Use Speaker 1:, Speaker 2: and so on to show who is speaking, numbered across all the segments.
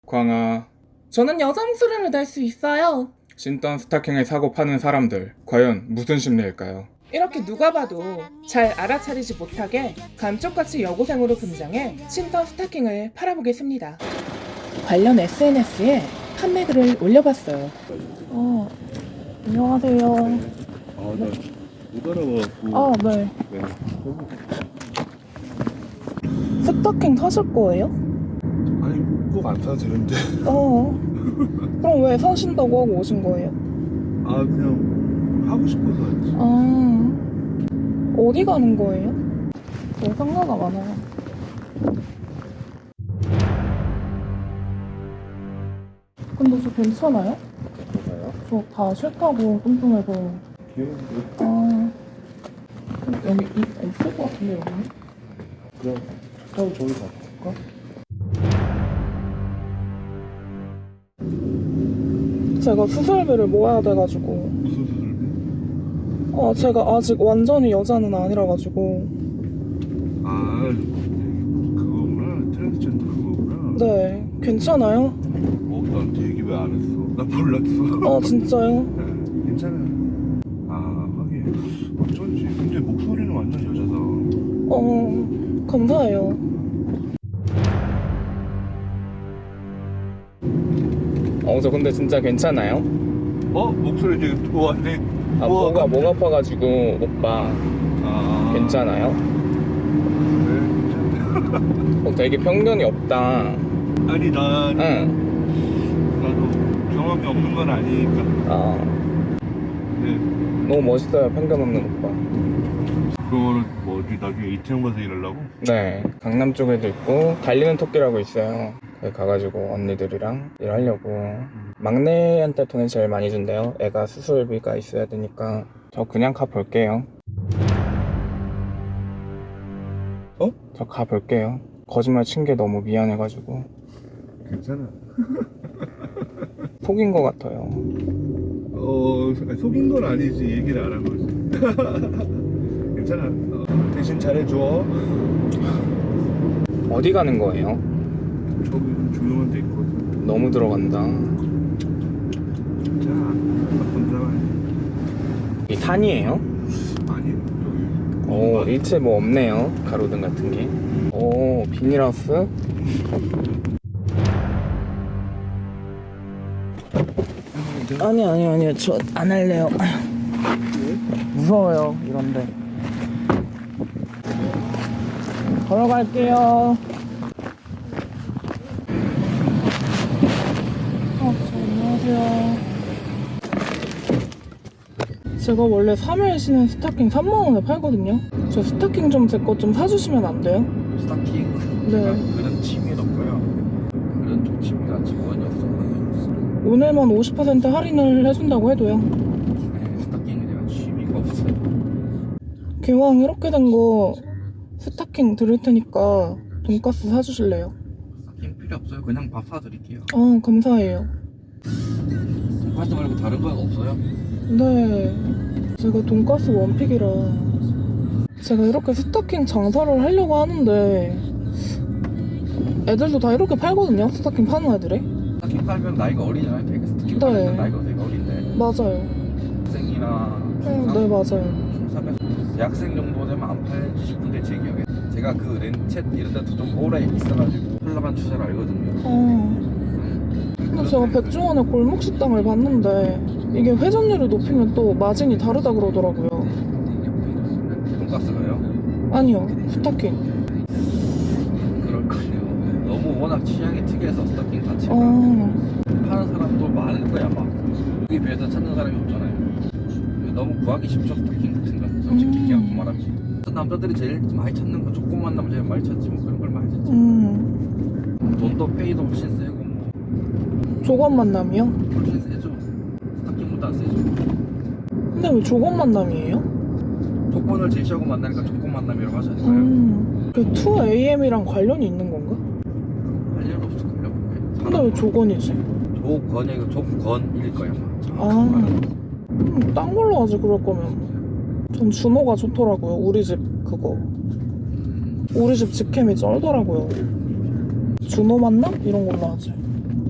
Speaker 1: 광아.
Speaker 2: 저는 여자 목소리를 낼 수 있어요.
Speaker 1: 신던 스타킹을 사고 파는 사람들, 과연 무슨 심리일까요?
Speaker 2: 이렇게 누가 봐도 잘 알아차리지 못하게 감쪽같이 여고생으로 분장해 신던 스타킹을 팔아보겠습니다. 관련 SNS에 판매글을 올려봤어요. 안녕하세요.
Speaker 3: 나 못 알아봐갖고.
Speaker 2: 네.
Speaker 3: 네.
Speaker 2: 스타킹 사실 거예요?
Speaker 3: 아니, 꼭 안 사도 되는데.
Speaker 2: 그럼 왜 사신다고 하고 오신 거예요?
Speaker 3: 그냥 하고 싶어서 했지.
Speaker 2: 어디 가는 거예요? 상가가 많아요. 근데 저 괜찮아요?
Speaker 3: 뭐가요?
Speaker 2: 저 다 싫다고 뚱뚱해서.
Speaker 3: 귀여운데?
Speaker 2: 여기 없을 것 같은데 여기?
Speaker 3: 그럼 타고 저기 가볼까?
Speaker 2: 제가 수술비를 모아야 돼가지고.
Speaker 3: 무슨 수술비?
Speaker 2: 제가 아직 완전히 여자는 아니라가지고.
Speaker 3: 그거구나. 트랜스젠더 그거구나.
Speaker 2: 네, 괜찮아요?
Speaker 3: 나한테 얘기 왜 안 했어? 나 몰랐어.
Speaker 2: 진짜요?
Speaker 3: 네, 괜찮아. 하긴 어쩐지. 근데 목소리는 완전 여자다.
Speaker 2: 감사해요.
Speaker 1: 저 근데 진짜 괜찮아요?
Speaker 3: 목소리 되게 좋아하네.
Speaker 1: 목 아파가지고 오빠 괜찮아요?
Speaker 3: 네, 괜찮아.
Speaker 1: 되게 편견이 없다.
Speaker 3: 아니, 나도 경험이 없는 건 아니니까. 네.
Speaker 1: 너무 멋있어요, 편견 없는 오빠.
Speaker 3: 그거는 어디 나중에 이태원 가서 일하려고?
Speaker 1: 네, 강남 쪽에도 있고 달리는 토끼라고 있어요. 거기 가가지고 언니들이랑 일하려고. 막내한테 돈을 제일 많이 준대요. 애가 수술비가 있어야 되니까. 저 그냥 가볼게요. 저 가볼게요. 거짓말 친 게 너무 미안해가지고.
Speaker 3: 괜찮아.
Speaker 1: 속인 것 같아요.
Speaker 3: 속인 건 아니지. 얘기를 안 한 거지. 괜찮아. 대신 잘해줘.
Speaker 1: 어디 가는 거예요?
Speaker 3: 저기 조용한 데 있거든.
Speaker 1: 너무 들어간다.
Speaker 3: 자, 건강해.
Speaker 1: 이 산이에요?
Speaker 3: 아니,
Speaker 1: 일체 뭐 없네요. 가로등 같은 게. 비닐하우스? 아니요. 저 안 할래요. 무서워요, 이런데. 걸어갈게요.
Speaker 2: 안녕하세요. 제가 원래 3일 신은 스타킹 3만원에 팔거든요. 저 스타킹 좀 제 것 좀 사주시면 안 돼요?
Speaker 4: 스타킹?
Speaker 2: 네.
Speaker 4: 그런 취미는 없고요. 그런 쪽 취미가 직원이 없어요.
Speaker 2: 오늘만 50% 할인을 해준다고 해도요.
Speaker 4: 네, 스타킹은 제가 취미가 없어요.
Speaker 2: 기왕 이렇게 된 거 스타킹 드릴 테니까 돈가스 사주실래요?
Speaker 4: 스타킹 필요 없어요. 그냥 밥 사드릴게요.
Speaker 2: 감사해요.
Speaker 4: 돈가스 말고 다른 거 없어요?
Speaker 2: 네, 제가 돈가스 원픽이라. 제가 이렇게 스타킹 장사를 하려고 하는데 애들도 다 이렇게 팔거든요, 스타킹 파는 애들이.
Speaker 4: 스타킹 팔면 나이가 어리잖아요. 되게 스타킹
Speaker 2: 네.
Speaker 4: 팔면 나이가 되게 어린데
Speaker 2: 맞아요.
Speaker 4: 학생이나
Speaker 2: 네, 맞아요.
Speaker 4: 중3에서 대학생 정도 되면 안 팔지 싶은데 제 기억에 제가 그 렌챗 이런 데도 좀 오래 있어가지고 흘러간 추세를 알거든요.
Speaker 2: 근데 제가 백종원의 골목 식당을 봤는데 이게 회전율을 높이면 또 마진이 다르다 그러더라고요.
Speaker 4: 돈가스가요?
Speaker 2: 아니요, 스타킹.
Speaker 4: 그럴걸요. 너무 워낙 취향이 특이해서 스타킹 자체가 파는 사람도 많을 거야 아마. 여기 비해서 찾는 사람이 없잖아요. 너무 구하기 쉽죠 스타킹 같은 건. 솔직히 그냥 말하면 남자들이 제일 많이 찾는 건 조그만 남자 제일 많이 찾지 뭐 그런 걸 많이 찾지. 돈도 페이도 훨씬 세고 뭐
Speaker 2: 조건 만남이요?
Speaker 4: 훨씬 세죠. 스타킹보다 세죠.
Speaker 2: 근데 왜 조건 만남이에요?
Speaker 4: 조건을 제시하고 만나니까 조건 만남이라고 하지 않을까요?
Speaker 2: 그 2AM이랑 관련이 있는 건가?
Speaker 4: 할 일 없을걸요.
Speaker 2: 근데 왜 조건이지?
Speaker 4: 조건이 조건일 거야
Speaker 2: 딴 걸로 하지 그럴 거면. 전 준호가 좋더라고요. 우리 집 그거. 우리 집 직캠이 쩔더라고요. 준호 만남? 이런 걸로 하지.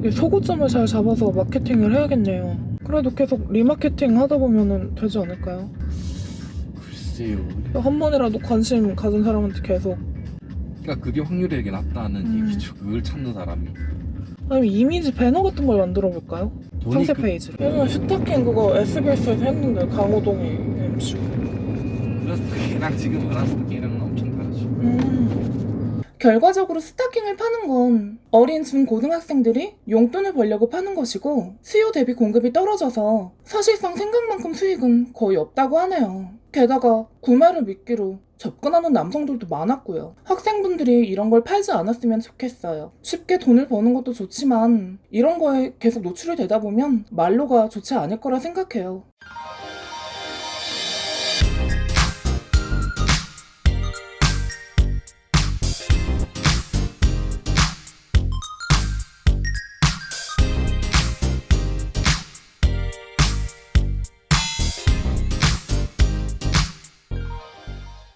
Speaker 2: 이게 소고점을 잘 잡아서 마케팅을 해야겠네요. 그래도 계속 리마케팅 하다 보면은 되지 않을까요?
Speaker 4: 글쎄요.
Speaker 2: 한 번이라도 관심 가진 사람한테 계속.
Speaker 4: 그러니까 그게 확률이 되게 낮다는 얘기죠. 그걸 찾는 사람이.
Speaker 2: 아니면 이미지 배너 같은 걸 만들어 볼까요?
Speaker 4: 돈이
Speaker 2: 상세
Speaker 4: 그-
Speaker 2: 페이지. 예전에 스타킹 그거 SBS에서 했는데 강호동이 MC.
Speaker 4: 그 스타킹이랑 지금 말한 스타킹이랑은 엄청 다르죠.
Speaker 2: 결과적으로 스타킹을 파는 건 어린 중고등학생들이 용돈을 벌려고 파는 것이고 수요 대비 공급이 떨어져서 사실상 생각만큼 수익은 거의 없다고 하네요. 게다가 구매를 미끼로 접근하는 남성들도 많았고요. 학생분들이 이런 걸 팔지 않았으면 좋겠어요. 쉽게 돈을 버는 것도 좋지만 이런 거에 계속 노출이 되다 보면 말로가 좋지 않을 거라 생각해요.